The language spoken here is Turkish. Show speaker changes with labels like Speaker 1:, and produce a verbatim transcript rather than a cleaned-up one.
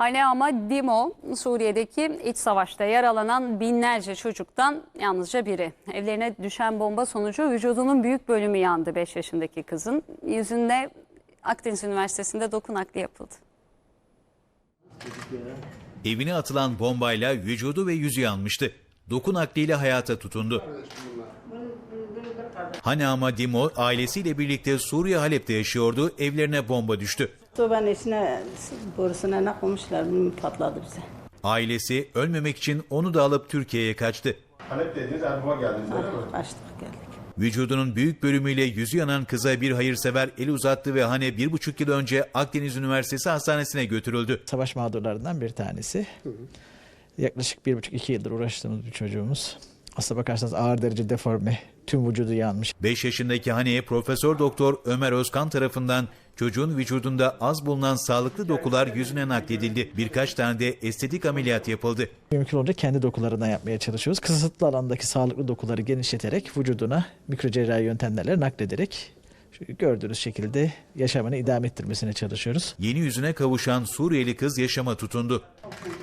Speaker 1: Hane ama Dimo, Suriye'deki iç savaşta yaralanan binlerce çocuktan yalnızca biri. Evlerine düşen bomba sonucu vücudunun büyük bölümü yandı beş yaşındaki kızın. Yüzünde Akdeniz Üniversitesi'nde doku nakli yapıldı.
Speaker 2: Evine atılan bombayla vücudu ve yüzü yanmıştı. Doku nakliyle hayata tutundu. Hane ama Dimo ailesiyle birlikte Suriye Halep'te yaşıyordu. Evlerine bomba düştü.
Speaker 3: Sobanın içine, borusuna ne koymuşlar, patladı bize.
Speaker 2: Ailesi ölmemek için onu da alıp Türkiye'ye kaçtı.
Speaker 4: Halep dediniz, Erbaba geldiniz öyle mi?
Speaker 3: Kaçtık geldik.
Speaker 2: Vücudunun büyük bölümüyle yüzü yanan kıza bir hayırsever el uzattı ve Hane bir buçuk yıl önce Akdeniz Üniversitesi Hastanesi'ne götürüldü.
Speaker 5: Savaş mağdurlarından bir tanesi. Hı hı. Yaklaşık bir buçuk iki yıldır uğraştığımız bir çocuğumuz. Aslına bakarsanız ağır derece deforme, tüm vücudu yanmış.
Speaker 2: beş yaşındaki Hane'ye Profesör Doktor Ömer Özkan tarafından çocuğun vücudunda az bulunan sağlıklı dokular yüzüne nakledildi. Birkaç tane de estetik ameliyat yapıldı.
Speaker 5: Mümkün olunca kendi dokularından yapmaya çalışıyoruz. Kısıtlı alandaki sağlıklı dokuları genişleterek vücuduna mikrocerrahi yöntemlerle naklederek gördüğünüz şekilde yaşamını idame ettirmesine çalışıyoruz.
Speaker 2: Yeni yüzüne kavuşan Suriyeli kız yaşama tutundu.